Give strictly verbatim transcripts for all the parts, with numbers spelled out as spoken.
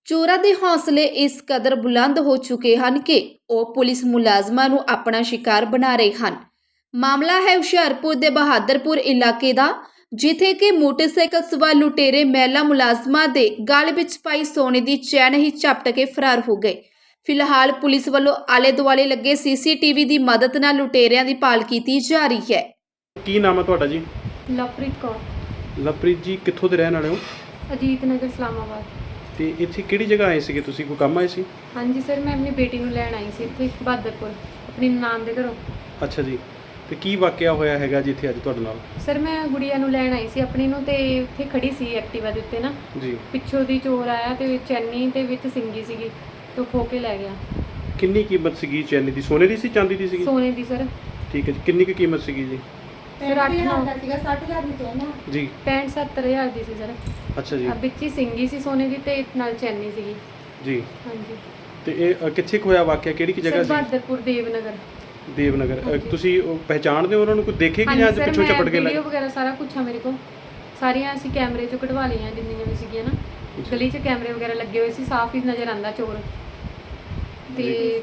ਚੋਰਾਂ ਦੇ ਹੌਸਲੇ ਇਸ ਕਦਰ ਬੁਲੰਦ ਹੋ ਚੁੱਕੇ ਹਨ ਕਿ ਉਹ ਪੁਲਿਸ ਮੁਲਾਜ਼ਮਾਂ ਨੂੰ ਆਪਣਾ ਸ਼ਿਕਾਰ ਬਣਾ ਰਹੇ ਹਨ। ਮਾਮਲਾ ਹੈ ਹੁਸ਼ਿਆਰਪੁਰ ਦੇ ਬਹਾਦਰਪੁਰ ਇਲਾਕੇ ਦਾ, ਜਿੱਥੇ ਕਿ ਮੋਟਰਸਾਈਕਲ ਸਵਾਰ ਲੁਟੇਰੇ ਮਹਿਲਾ ਮੁਲਾਜ਼ਮਾਂ ਦੇ ਗਲ ਵਿੱਚ ਪਾਈ ਸੋਨੇ ਦੀ ਚੈਨ ਹੀ ਝਪਟ ਕੇ ਫਰਾਰ ਹੋ ਗਏ। ਫਿਲਹਾਲ ਪੁਲਿਸ ਵੱਲੋਂ ਆਲੇ ਦੁਆਲੇ ਲੱਗੇ ਸੀਸੀਟੀਵੀ ਦੀ ਮਦਦ ਨਾਲ ਲੁਟੇਰਿਆਂ ਦੀ ਭਾਲ ਕੀਤੀ ਜਾ ਰਹੀ ਹੈ। ਕੀ ਨਾਮ ਹੈ ਤੁਹਾਡਾ ਜੀ? ਲਵਪ੍ਰੀਤ ਕੌਰ। ਲਵਪ੍ਰੀਤ ਜੀ ਕਿੱਥੋਂ ਦੇ ਰਹਿਣ ਵਾਲੇ ਹੋ? ਅਜੀਤ ਨਗਰ ਇਸਲਾਮਾਬਾਦ। ਤੇ ਇੱਥੇ ਕਿਹੜੀ ਜਗ੍ਹਾ ਆਏ ਸੀਗੇ ਤੁਸੀਂ? ਕੋਈ ਕੰਮ ਆਏ ਸੀ? ਹਾਂਜੀ ਸਰ, ਮੈਂ ਆਪਣੀ ਬੇਟੀ ਨੂੰ ਲੈਣ ਆਈ ਸੀ ਇੱਥੇ ਬਹਾਦਰਪੁਰ ਆਪਣੀ ਨਾਨ ਦੇ ਘਰੋਂ। ਅੱਛਾ ਜੀ, ਤੇ ਕੀ ਵਾਕਿਆ ਹੋਇਆ ਹੈਗਾ ਜਿੱਥੇ ਅੱਜ ਤੁਹਾਡੇ ਨਾਲ? ਸਰ ਮੈਂ ਗੁੜੀਆ ਨੂੰ ਲੈਣ ਆਈ ਸੀ ਆਪਣੀ ਨੂੰ, ਤੇ ਉੱਥੇ ਖੜੀ ਸੀ ਐਕਟਿਵਾ ਦੇ ਉੱਤੇ ਨਾ ਜੀ। ਪਿੱਛੋਂ ਦੀ ਚੋਰ ਆਇਆ ਤੇ ਚੈਨੀ ਤੇ ਵਿੱਚ ਸਿੰਗੀ ਸੀਗੀ ਤੇ ਉਹ ਖੋ ਕੇ ਲੈ ਗਿਆ। ਕਿੰਨੀ ਕੀਮਤ ਸੀਗੀ ਚੈਨੀ ਦੀ? ਸੋਨੇ ਦੀ ਸੀ ਚਾਂਦੀ ਦੀ ਸੀਗੀ? ਸੋਨੇ ਦੀ ਸਰ। ਠੀਕ ਹੈ ਜੀ, ਕਿੰਨੀ ਕੁ ਕੀਮਤ ਸੀਗੀ ਜੀ? ਸਰ ਅੱਠ ਨੌ ਸੀਗਾ ਸੱਠ ਹਜ਼ਾਰ ਦੀ ਚੈਨ ਆ ਜੀ। ਪੈਂਹਠ ਸੱਤਰ ਹਜ਼ਾਰ ਦੀ ਸੀ ਸਰ। ਅੱਛਾ ਜੀ। ਆ ਵਿੱਚ ਹੀ ਸਿੰਗੀ ਸੀ ਸੋਨੇ ਦੀ ਤੇ ਨਾਲ ਚੈਨੀ ਸੀਗੀ ਜੀ। ਹਾਂਜੀ। ਤੇ ਇਹ ਅ, ਕਿੱਥੇ ਕੁ ਹੋਇਆ ਵਾਕਿਆ? ਕਿਹੜੀ ਕਿ ਜਗ੍ਹਾ ਸਰ ਸੀ? ਬਹਾਦਰਪੁਰ ਦੇਵਨਗਰ। ਦੇਵਨਗਰ। ਅ, ਹਾਂਜੀ। ਤੁਸੀਂ ਉਹ ਪਹਿਚਾਣਦੇ ਹੋ ਉਹਨਾਂ ਨੂੰ? ਕੋਈ ਦੇਖੇ ਕਿ ਜਾਂ ਹਾਂਜੀ ਸਰ, ਪਿੱਛੋਂ ਚਪਟ ਕੇ ਮੈਂ ਲੈ? ਵੀਡੀਓ ਵਗੈਰਾ ਸਾਰਾ ਕੁਝ ਆ ਮੇਰੇ ਕੋਲ, ਸਾਰੀਆਂ ਅਸੀਂ ਕੈਮਰੇ ਚੋਂ ਕਢਵਾ ਲਈਆਂ ਜਿੰਨੀਆਂ ਵੀ ਸੀਗੀਆਂ ਨਾ। ਗਲੀ 'ਚ ਕੈਮਰੇ ਵਗੈਰਾ ਲੱਗੇ ਹੋਏ ਸੀ, ਸਾਫ਼ ਹੀ ਨਜ਼ਰ ਆਂਦਾ ਚੋਰ। ਤੇ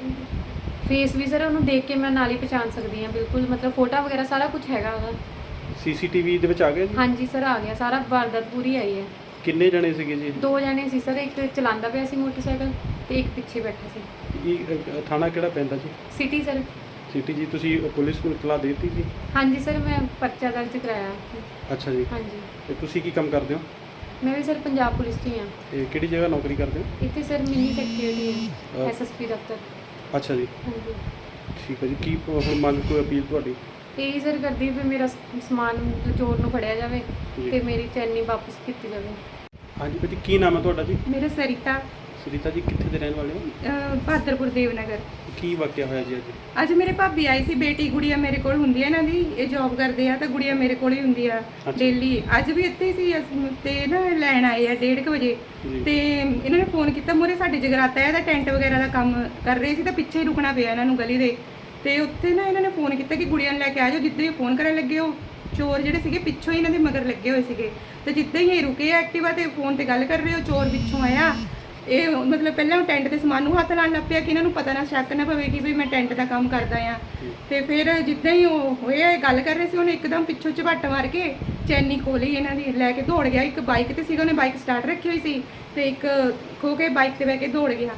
ਫੇਸ ਵੀ ਸਰ ਉਹਨੂੰ ਦੇਖ ਕੇ ਮੈਂ ਨਾਲ ਹੀ ਪਛਾਣ ਸਕਦੀ ਹਾਂ ਬਿਲਕੁਲ, ਮਤਲਬ ਫੋਟੋ ਵਗੈਰਾ ਸਾਰਾ ਕੁਝ ਹੈਗਾ ਉਹਦਾ। ਸੀਸੀਟੀਵੀ ਦੇ ਵਿੱਚ ਆ ਗਿਆ ਜੀ? ਹਾਂਜੀ ਸਰ ਆ ਗਿਆ ਸਾਰਾ, ਵਾਰਦਾਤ ਪੂਰੀ ਆਈ ਹੈ। ਕਿੰਨੇ ਜਣੇ ਸੀਗੇ ਜੀ? ਦੋ ਜਣੇ ਸੀ ਸਰ, ਇੱਕ ਚਲਾਉਂਦਾ ਪਿਆ ਸੀ ਮੋਟਰਸਾਈਕਲ ਤੇ ਇੱਕ ਪਿੱਛੇ ਬੈਠਾ ਸੀ। ਇਹ ਅ, ਥਾਣਾ ਕਿਹੜਾ ਪੈਂਦਾ ਜੀ? City sir. ਸਿਟੀ ਜੀ। ਤੁਸੀਂ ਪੁਲਿਸ ਨੂੰ ਇਤਲਾਹ ਦੇ ਦਿੱਤੀ ਜੀ? ਹਾਂਜੀ ਸਰ, ਮੈਂ ਪਰਚਾ ਦਰਜ ਕਰਾਇਆ। ਅੱਛਾ ਜੀ। ਹਾਂਜੀ। ਤੇ ਤੁਸੀਂ ਕੀ ਕੰਮ ਕਰਦੇ ਹੋ? ਮੈਂ ਵੀ ਸਰ ਪੰਜਾਬ ਪੁਲਿਸ 'ਚ ਹੀ ਹਾਂ। ਤੇ ਕਿਹੜੀ ਜਗ੍ਹਾ ਨੌਕਰੀ ਕਰਦੇ ਹੋ? ਇੱਥੇ ਸਰ ਮਿੰਨੀ ਸੈਕਟਰੀ ਹੈ, ਅਹ ਐਸਐਸਪੀ ਦਫ਼ਤਰ। ਅੱਛਾ ਜੀ, ਹਾਂਜੀ। ਠੀਕ ਹੈ ਜੀ। ਕੀ ਹੁਣ ਮੰਗ, ਕੋਈ ਅਪੀਲ ਤੁਹਾਡੀ? ਇਹੀ ਸਰ ਕਰਦੀ ਵੀ ਮੇਰਾ ਸ- ਸਮਾਨ ਮਤਲਬ ਚੋਰ ਨੂੰ ਫੜਿਆ ਜਾਵੇ ਜੀ। ਤੇ ਮੇਰੀ ਚੈਨੀ ਵਾਪਸ ਕੀਤੀ ਜਾਵੇ। ਹਾਂਜੀ ਬੇਟੀ, ਕੀ ਨਾਮ ਹੈ ਤੁਹਾਡਾ ਜੀ? ਮੇਰਾ ਸਰਿਤਾ, ਸੁਰੀਤਾ ਜੀ, ਕਿੱਥੇ ਦੇ ਰਹਿਣ ਵਾਲੇ ਹੋ? ਅਹ, ਬਹਾਦਰਪੁਰ ਦੇਵਨਗਰ। ਕੀ ਵਾਕਿਆ ਹੋਇਆ ਜੀ ਅੱਜ? ਅੱਜ ਮੇਰੇ ਭਾਬੀ ਆਈ ਸੀ, ਬੇਟੀ ਗੁੜੀਆ ਮੇਰੇ ਕੋਲ ਹੁੰਦੀ ਹੈ ਇਹਨਾਂ ਦੀ, ਇਹ ਜੌਬ ਕਰਦੇ ਆ ਤਾਂ ਗੁੜੀਆ ਮੇਰੇ ਕੋਲ ਹੀ ਹੁੰਦੀ ਆ ਡੇਲੀ। ਅੱਜ ਵੀ ਇੱਥੇ ਹੀ ਸੀ ਅਸੀਂ, ਤੇ ਨਾ ਲੈਣ ਆਏ ਆ ਡੇਢ ਕੁ ਵਜੇ। ਜੀ। ਤੇ ਇਹਨਾਂ ਨੇ ਫੋਨ ਕੀਤਾ, ਮੂਹਰੇ ਸਾਡੇ ਜਗਰਾਤਾ ਹੈ, ਇਹਦਾ ਟੈਂਟ ਵਗੈਰਾ ਦਾ ਕੰਮ ਕਰ ਰਹੇ ਸੀ ਤਾਂ ਪਿੱਛੇ ਹੀ ਰੁਕਣਾ ਪਿਆ ਇਹਨਾਂ ਨੂੰ ਗਲੀ ਦੇ। ਤੇ ਉੱਥੇ ਨਾ ਇਹਨਾਂ ਨੇ ਫੋਨ ਕੀਤਾ ਕਿ ਗੁੜੀਆ ਨੂੰ ਲੈ ਕੇ ਆ ਜਾਓ। ਜਿੱਦਾਂ ਹੀ ਫੋਨ ਕਰਨ ਲੱਗੇ, ਉਹ ਚੋਰ ਜਿਹੜੇ ਸੀਗੇ ਪਿੱਛੋਂ ਹੀ ਇਹਨਾਂ ਦੇ ਮਗਰ ਲੱਗੇ ਹੋਏ ਸੀਗੇ। ਤੇ ਜਿੱਦਾਂ ਹੀ ਇਹ ਰੁਕੇ ਐਕਟਿਵਾ ਤੇ ਫੋਨ ਤੇ ਗੱਲ ਕਰ ਰਹੇ, ਉਹ ਚੋਰ ਪਿੱਛੋਂ ਆਇਆ। ਇਹ ਮਤਲਬ ਪਹਿਲਾਂ ਉਹ ਟੈਂਟ ਦੇ ਸਮਾਨ ਨੂੰ ਹੱਥ ਲਾਉਣ ਲੱਗ ਪਿਆ ਕਿ ਇਹਨਾਂ ਨੂੰ ਪਤਾ ਨਾ, ਸ਼ੱਕ ਨਾ ਪਵੇ ਕਿ ਵੀ ਮੈਂ ਟੈਂਟ ਦਾ ਕੰਮ ਕਰਦਾ ਆ। ਤੇ ਫਿਰ ਜਿੱਦਾਂ ਹੀ ਉਹ ਹੋਇਆ ਇਹ ਗੱਲ ਕਰ ਰਹੇ ਸੀ, ਉਹਨੇ ਇੱਕਦਮ ਪਿੱਛੋਂ ਝਪੱਟ ਮਾਰ ਕੇ ਚੈਨੀ ਖੋਲੀ ਇਹਨਾਂ ਦੀ, ਲੈ ਕੇ ਦੌੜ ਗਿਆ। ਇੱਕ ਬਾਈਕ ਤੇ ਸੀਗਾ, ਉਹਨੇ ਬਾਈਕ ਸਟਾਰਟ ਰੱਖੀ ਹੋਈ ਸੀ, ਤੇ ਇੱਕ ਖੋ ਕੇ ਬਾਈਕ ਤੇ ਬਹਿ ਕੇ ਦੌੜ ਗਿਆ।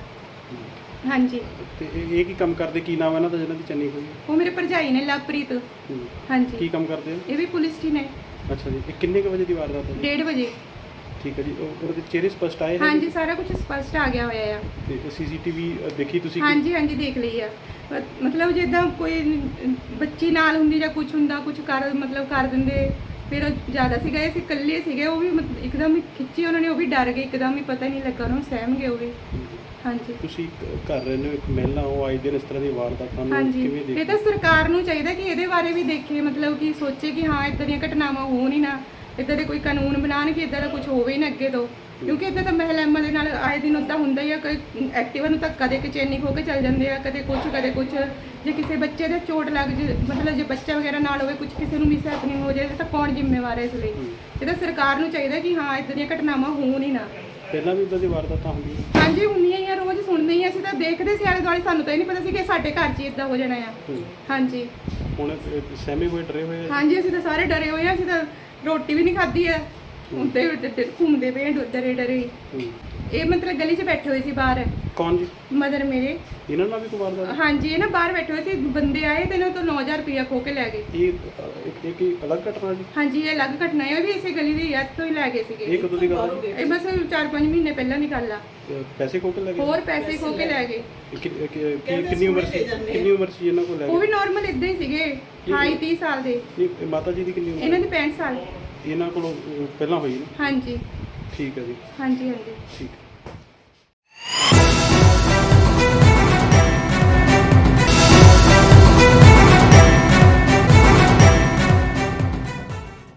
ਹਾਂਜੀ। ਤੇ ਇਹ ਇਹ ਕੀ ਕੰਮ ਕਰਦੇ? ਕੀ ਨਾਮ ਹੈ ਇਹਨਾਂ ਦਾ ਜਿਹਨਾਂ ਦੀ ਚੰਨੀ ਹੋਈ? ਉਹ ਮੇਰੇ ਭਰਜਾਈ ਨੇ, ਲਵਪ੍ਰੀਤ। ਹੂੰ। ਹਾਂਜੀ। ਕੀ ਕੰਮ ਕਰਦੇ ਹੋ? ਇਹ ਵੀ ਪੁਲਿਸ 'ਚ ਹੀ ਨੇ। ਅੱਛਾ ਜੀ। ਇਹ ਕਿੰਨੇ ਕੁ ਵਜੇ ਦੀ ਵਾਰਦਾਤ ਹੈ ਜੀ? ਡੇਢ ਵਜੇ। ਠੀਕ ਹੈ ਜੀ। ਉਹ ਉਹਦੇ ਚਿਹਰੇ ਸਪਸ਼ਟ ਆਏ ਨੇ? ਹਾਂਜੀ, ਸਾਰਾ ਕੁਝ ਸਪਸ਼ਟ ਆ ਗਿਆ ਹੋਇਆ ਆ। ਤੇ ਸੀਸੀਟੀਵੀ ਦੇਖੀ ਤੁਸੀਂ? ਹਾਂਜੀ ਹਾਂਜੀ, ਦੇਖ ਲਈ ਆ। ਮ- ਮਤਲਬ ਜਿੱਦਾਂ ਕੋਈ ਬੱਚੀ ਨਾਲ ਹੁੰਦੀ ਜਾਂ ਕੁਝ ਹੁੰਦਾ, ਕੁਝ ਕਰ ਮਤਲਬ ਕਰ ਦਿੰਦੇ। ਫਿਰ ਉਹ ਜ਼ਿਆਦਾ ਸੀਗਾ, ਇਹ ਸੀ ਇਕੱਲੇ ਸੀਗੇ, ਉਹ ਵੀ ਮਤ- ਇੱਕਦਮ ਹੀ ਖਿੱਚੀ ਉਹਨਾਂ ਨੇ, ਉਹ ਵੀ ਡਰ ਗਏ ਇੱਕਦਮ ਹੀ, ਪਤਾ ਹੀ ਨਹੀਂ ਲੱਗਾ ਉਹਨਾਂ ਨੂੰ, ਸਹਿਮ ਗਏ ਉਹ ਵੀ। ਹਾਂਜੀ ਤੁਸੀਂ ਕ- ਘਰ ਰਹਿੰਦੇ ਹੋ, ਇੱਕ ਮਹਿਲਾ ਹੋ, ਆਏ ਦਿਨ ਇਸ ਤਰ੍ਹਾਂ ਦੀ ਵਾਰਦਾਤਾਂ ਨੂੰ ਹਾਂਜੀ। ਕਿਵੇਂ ਇਹ ਦੇਖਦੇ? ਤਾਂ ਸਰਕਾਰ ਨੂੰ ਚਾਹੀਦਾ ਕਿ ਇਹਦੇ ਬਾਰੇ ਵੀ ਦੇਖੇ, ਮਤਲਬ ਕਿ ਸੋਚੇ ਕਿ ਹਾਂ ਇਦਾਂ ਦੀਆਂ ਘਟਨਾਵਾਂ ਹੋਣ ਹੀ ਨਾ, ਇਦਾਂ ਦੇ ਕੋਈ ਕਾਨੂੰਨ ਬਣਾਉਣ ਕਿ ਇਦਾਂ ਦਾ ਕੁਝ ਹੋਵੇ ਹੀ ਨਾ ਅੱਗੇ ਤੋਂ। ਕਿਉਂਕਿ ਇਦਾਂ ਤਾਂ ਮਹਿਲਾਵਾਂ ਦੇ ਨਾਲ ਆਏ ਦਿਨ ਉੱਦਾਂ ਹੁੰਦਾ ਹੀ ਆ। ਕੋਈ ਐਕਟਿਵਾ ਨੂੰ ਤਾਂ ਕਦੇ ਕਿ ਚੈਨੀ ਖੋ ਕੇ ਚੱਲ ਜਾਂਦੇ ਆ, ਕਦੇ ਕੁਝ ਕਦੇ ਕੁਝ। ਜੇ ਕਿਸੇ ਬੱਚੇ ਦੇ ਚੋਟ ਲੱਗ ਜੇ, ਮਤਲਬ ਜੇ ਬੱਚਾ ਵਗੈਰਾ ਨਾਲ ਹੋਵੇ, ਕੁਝ ਕਿਸੇ ਨੂੰ ਮਿਸ ਹੈਪਨਿੰਗ ਹੋ ਜਾਏ ਤਾਂ ਕੌਣ ਜ਼ਿੰਮੇਵਾਰ ਹੈ ਇਸ ਲਈ? ਇਹ ਤਾਂ ਸਰਕਾਰ ਨੂੰ ਚਾਹੀਦਾ ਕਿ ਹਾਂ ਇਦਾਂ ਦੀਆਂ ਘਟਨਾਵਾਂ ਹੋਣ ਹੀ ਨਾ। ਪਹਿਲਾਂ ਵੀ ਇਦਾਂ ਦੀ ਵਾਰਦਾਤਾਂ ਹੁੰਦੀਆਂ? ਹਾਂਜੀ, ਹੁੰਦੀਆਂ ਹੀ ਆ, ਰੋਜ਼ ਸੁਣਦੇ ਹੀ ਆ। ਅਸੀਂ ਤਾਂ ਦੇਖਦੇ ਸੀ ਆਲੇ ਦੁਆਲੇ, ਸਾਨੂੰ ਤਾਂ ਇਹ ਨਹੀਂ ਪਤਾ ਸੀ ਕਿ ਸਾਡੇ ਘਰ 'ਚ ਇਦਾਂ ਹੋ ਜਾਣਾ ਆ। ਹੂੰ। ਹਾਂਜੀ ਹੁਣ ਇਹ ਸਹਿਮੇ ਹੋਏ, ਡਰੇ ਹੋਏ ਆ? ਹਾਂਜੀ, ਅਸੀਂ ਤਾਂ ਸਾਰੇ ਡਰੇ ਹੋਏ ਆ। ਅਸੀਂ ਤਾਂ ਰੋਟੀ ਵੀ ਨਹੀਂ ਖਾਧੀ ਆ, ਉੱਤੇ ਘੁੰਮਦੇ ਪਏ ਡਰੇ ਡਰੇ। ਹੂੰ। ਇਹ ਮਤਲਬ ਗਲੀ 'ਚ ਬੈਠੇ ਹੋਏ ਸੀ ਬਾਹਰ, ਕੌਣ ਜੀ? ਮਦਰ ਮੇਰੇ। ਇਹਨਾਂ ਨਾਲ ਵੀ ਕੋਈ ਵਾਰਦਾਤ? ਹਾਂਜੀ, ਇਹ ਨਾ ਬਾਹਰ ਬੈਠੇ ਹੋਏ ਸੀ, ਬੰਦੇ ਆਏ ਤੇ ਇਹਨਾਂ ਤੋਂ ਨੌ ਹਜ਼ਾਰ ਰੁਪਇਆ ਖੋ ਕੇ ਲੈ ਗਏ। ਇਹ ਅ, ਇੱਕ ਇੱਕ ਹੀ ਅਲੱਗ ਘਟਨਾ ਜੀ? ਹਾਂਜੀ, ਇਹ ਅਲੱਗ ਘਟਨਾ ਹੈ, ਉਹ ਵੀ ਇਸੇ ਗਲੀ ਦੀ ਯਾਦ ਤੋਂ ਹੀ ਲੈ ਗਏ ਸੀਗੇ। ਇਹ ਕਦੋਂ ਦੀ ਗੱਲ ਹੈ ਜੀ? ਇਹ ਬਸ ਚਾਰ ਪੰਜ ਮਹੀਨੇ ਪਹਿਲਾਂ ਦੀ ਗੱਲ ਆ। ਅ, ਪੈਸੇ ਖੋ ਕੇ ਲੈ ਗਏ? ਹੋਰ ਪੈਸੇ ਖੋ ਕੇ ਲੈ ਗਏ। ਇਹ ਕਿ- ਕਿ- ਕਿ- ਕਿੰਨੀ ਉਮਰ ਸੀ? ਕਿੰਨੀ ਉਮਰ ਸੀ ਇਹਨਾਂ ਕੋਲ ਲੈ ਉਹ ਵੀ ਗਏ? ਨਾਰਮਲ ਇਦਾਂ ਹੀ ਸੀਗੇ, ਅਠਾਈ ਤੀਹ ਸਾਲ ਦੇ। ਇਹ ਇਹ ਮਾਤਾ ਜੀ ਦੀ ਕਿੰਨੀ ਉਮਰ? ਇਹਨਾਂ ਦੀ ਪੈਂਹਠ ਸਾਲ। ਇਹਨਾਂ ਕੋਲੋਂ ਅ, ਪਹਿਲਾਂ ਹੋਈ ਨਾ? ਹਾਂਜੀ ਠੀਕ ਹੈ ਜੀ। ਹਾਂਜੀ ਹਾਂਜੀ। ਠੀਕ।